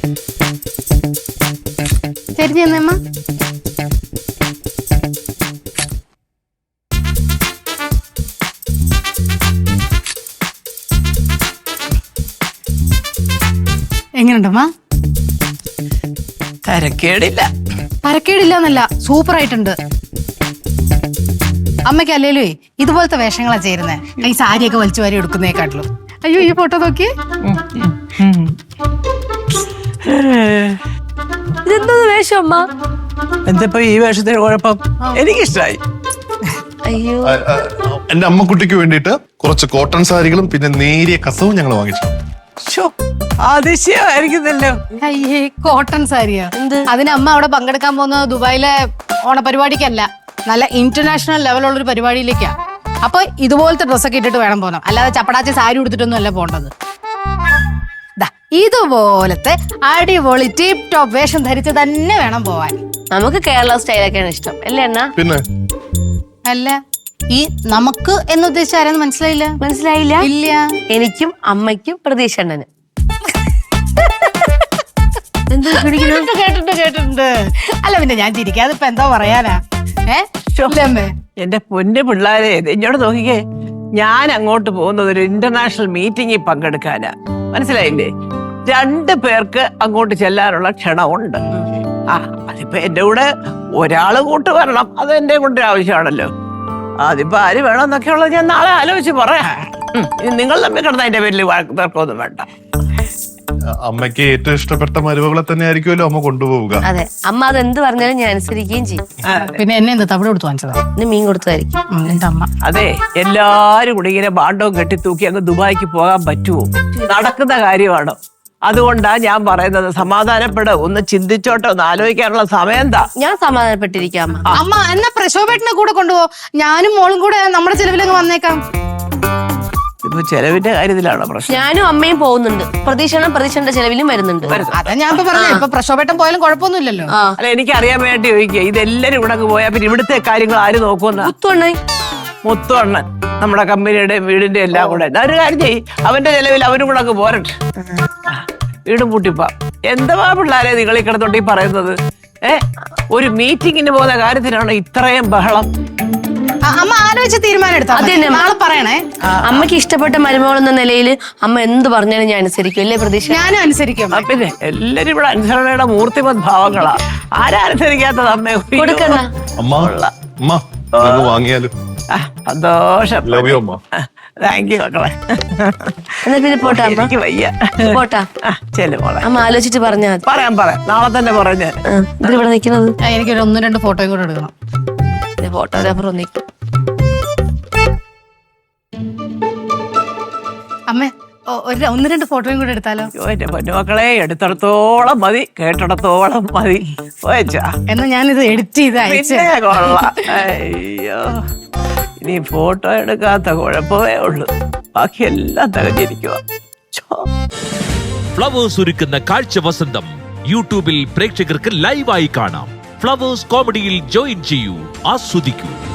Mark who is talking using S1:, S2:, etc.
S1: ശരി ചെന്നമ്മ. എങ്ങനെയുണ്ടമ്മ?
S2: തരക്കേടില്ല.
S1: തരക്കേടില്ലെന്നല്ല, സൂപ്പർ ആയിട്ടുണ്ട്. അമ്മയ്ക്ക് അല്ലേലേ ഇതുപോലത്തെ വേഷങ്ങളാ ചേരുന്നേ. ഈ സാരിയൊക്കെ വലിച്ചു വാരി എടുക്കുന്നേക്കാട്ടിലും. അയ്യോ ഈ ഫോട്ടോ നോക്കി.
S3: ഇതെന്തോ വേഷം അമ്മ?
S2: എന്തപ്പോ ഈ വേഷത്തിന് കുഴപ്പം? എനിക്കിഷ്ടായി.
S3: അയ്യോ,
S4: എന്റെ അമ്മക്കുട്ടിക്ക് വേണ്ടിയിട്ട് കുറച്ച് കോട്ടൺ സാരികളും പിന്നെ നേരിയ കസവും ഞങ്ങൾ വാങ്ങിച്ചു.
S2: അതിശയമായിരിക്കുന്നല്ലോ.
S1: അയ്യേ, കോട്ടൺ സാരിയാ? അതിന് അമ്മ അവിടെ പങ്കെടുക്കാൻ പോകുന്നത് ദുബായിലെ ഓണപരിപാടിക്കല്ല, നല്ല ഇന്റർനാഷണൽ ലെവലുള്ളൊരു പരിപാടിയിലേക്കാ. അപ്പൊ ഇതുപോലത്തെ ഡ്രസ്സൊക്കെ ഇട്ടിട്ട് വേണം പോകാൻ, അല്ലാതെ ചപ്പടാച്ച സാരി ഉടുത്തിട്ടൊന്നും അല്ല പോണ്ടത്. ഇതുപോലത്തെ അടിപൊളി ടിപ് ടോപ്പ് വേഷം ധരിച്ച് തന്നെ വേണം പോവാൻ.
S3: നമുക്ക് കേരള സ്റ്റൈലൊക്കെയാണ് ഇഷ്ടം അല്ലേ അണ്ണ?
S4: പിന്നെ
S1: അല്ല, ഈ നമുക്ക് എന്നുദ്ദേശിച്ച ആരെന്ന് മനസ്സിലായില്ല.
S3: മനസ്സിലായില്ല?
S1: ഇല്ല.
S3: എനിക്കും അമ്മയ്ക്കും പ്രതീക്ഷ അണ്ണന്.
S1: കേട്ടിട്ടുണ്ട്. അല്ല പിന്നെ ഞാൻ ചിരിക്കാതെ ഇപ്പൊ എന്താ പറയാനാ?
S2: എന്റെ പൊന്നു പിള്ളാരെ, ഇങ്ങോട്ട് നോക്കിക്കേ. ഞാൻ അങ്ങോട്ട് പോകുന്നത് ഒരു ഇന്റർനാഷണൽ മീറ്റിംഗിൽ പങ്കെടുക്കാനാ. മനസ്സിലായില്ലേ? 2 പേർക്ക് അങ്ങോട്ട് ചെല്ലാനുള്ള ക്ഷണമുണ്ട്. അതിപ്പോ എന്റെ കൂടെ ഒരാള് കൂട്ട് വരണം, അത് എന്റെ കൂടെ ആവശ്യമാണല്ലോ. അതിപ്പോ ആര് വേണമെന്നൊക്കെ ഉള്ളത് ഞാൻ നാളെ ആലോചിച്ച് പറയാം. നിങ്ങൾ തമ്മിൽ കിടന്ന അതിന്റെ പേരിൽ തർക്കമൊന്നും വേണ്ട.
S4: അമ്മയ്ക്ക് ഏറ്റവും ഇഷ്ടപ്പെട്ട മരുമകളെ തന്നെ ആയിരിക്കുമല്ലോ അമ്മ കൊണ്ടുപോവുക.
S3: അതെ, അമ്മ അത് എന്ത് പറഞ്ഞാലും ഞാൻ അനുസരിക്കുകയും ചെയ്യും.
S1: പിന്നെ എന്നെ എന്താ തവിട് കൊടുത്ത് വാങ്ങിച്ചതാ?
S3: മീൻ കൊടുത്തതായിരിക്കും
S1: എന്റെ അമ്മ.
S2: അതെ, എല്ലാരും കൂടി ഇങ്ങനെ ബാണ്ടവും കെട്ടി തൂക്കി അങ്ങ് ദുബായിക്ക് പോകാൻ പറ്റുമോ? നടക്കുന്ന കാര്യമാണ്. അതുകൊണ്ടാ ഞാൻ പറയുന്നത്, സമാധാനപ്പെട്, ഒന്ന് ചിന്തിച്ചോട്ടെ, ഒന്ന് ആലോചിക്കാനുള്ള സമയം എന്താ?
S3: ഞാൻ സമാധാനപ്പെട്ടിരിക്കാം അമ്മ.
S1: അമ്മ എന്നാ പ്രശോഭേട്ടനെ കൂടെ കൊണ്ടുപോ, ഞാനും മോളും കൂടെ നമ്മുടെ ചെലവിലങ്ങ് വന്നേക്കാം.
S2: ഇപ്പൊ ചെലവിന്റെ കാര്യത്തിലാണോ പ്രശ്നം?
S3: ഞാനും അമ്മയും പോകുന്നുണ്ട്. പ്രതീക്ഷയുടെ ചെലവിലും വരുന്നുണ്ട്.
S1: അതാ ഞാൻ ഇപ്പൊ പറഞ്ഞേ, ഇപ്പൊ പ്രശോഭേട്ടൻ പോയാലും കുഴപ്പമൊന്നുമില്ലല്ലോ.
S2: അല്ല, എനിക്ക് അറിയാൻ വേണ്ടി ചോദിക്കുക, ഇതെല്ലാരും ഇവിടെ പോയാ പിന്നെ ഇവിടുത്തെ കാര്യങ്ങൾ ആര് നോക്കുമെന്ന? മുത്തുവണ്ണൻ നമ്മുടെ കമ്പനിയുടെ വീടിന്റെ എല്ലാം കൂടെ. ഒരു കാര്യം ചെയ്യ്, അവന്റെ ചെലവിൽ അവരും കൂടെ അങ്ങ് പോരട്ടെ. വീടും പൂട്ടിപ്പാ. എന്താ പിള്ളാരെ നിങ്ങൾ ഈ കിടന്നോണ്ട് ഈ പറയുന്നത്? ഒരു മീറ്റിങ്ങിന് പോകുന്ന കാര്യത്തിനാണ് ഇത്രയും ബഹളം?
S1: അമ്മ ആലോചിച്ച് തീരുമാനം എടുത്താ നാളെ പറയണേ.
S3: അമ്മയ്ക്ക് ഇഷ്ടപ്പെട്ട മരുമകൾ എന്ന നിലയിൽ അമ്മ എന്ത് പറഞ്ഞാലും ഞാൻ അനുസരിക്കും അല്ലേ പ്രതീക്ഷ?
S1: ഞാനും അനുസരിക്കും.
S2: പിന്നെ എല്ലാരും ഇവിടെ അനുസരണയുടെ മൂർത്തിമത് ഭാവങ്ങളാ. ആരാ അനുസരിക്കാത്തത്? അമ്മ
S3: കൊടുക്കണ
S4: വാങ്ങിയാലും
S2: സന്തോഷം. താങ്ക് യു മക്കളെ.
S3: എന്നാ പിന്നെ പോട്ടാ അമ്മ.
S2: എനിക്ക് വയ്യ.
S3: പോട്ടാ.
S2: ചെല്ലു മോളെ.
S3: അമ്മ ആലോചിച്ചിട്ട് പറഞ്ഞാ
S2: പറയാം. നാളെ തന്നെ പറഞ്ഞ.
S3: ഇവിടെ നിൽക്കുന്നത്
S1: എനിക്കൊരു 1-2 ഫോട്ടോയും കൂടെ എടുക്കണം.
S3: ഫോട്ടോഗ്രാഫർ ഒന്നിക്കും.
S1: അമ്മേ, 1-2 ഫോട്ടോയും കൂടെ എടുത്താലോ?
S2: എന്റെ പൊന്നുമക്കളെ, എടുത്തിടത്തോളം മതി, കേട്ടിടത്തോളം മതി.
S1: എന്നാ ഞാനിത് എഡിറ്റ് ചെയ്ത് അയച്ചു.
S2: കൊള്ളാം. അയ്യോ, ഇനി ഫോട്ടോ എടുക്കാത്ത കുഴപ്പമേ ഉള്ളൂ, ബാക്കിയെല്ലാം തികഞ്ഞിരിക്കുക.
S5: ഫ്ലവേഴ്സ് ഒരുക്കുന്ന കാഴ്ച വസന്തം യൂട്യൂബിൽ പ്രേക്ഷകർക്ക് ലൈവായി കാണാം. ഫ്ലവേഴ്സ് കോമഡിയിൽ ജോയിൻ ചെയ്യൂ, ആസ്വദിക്കൂ.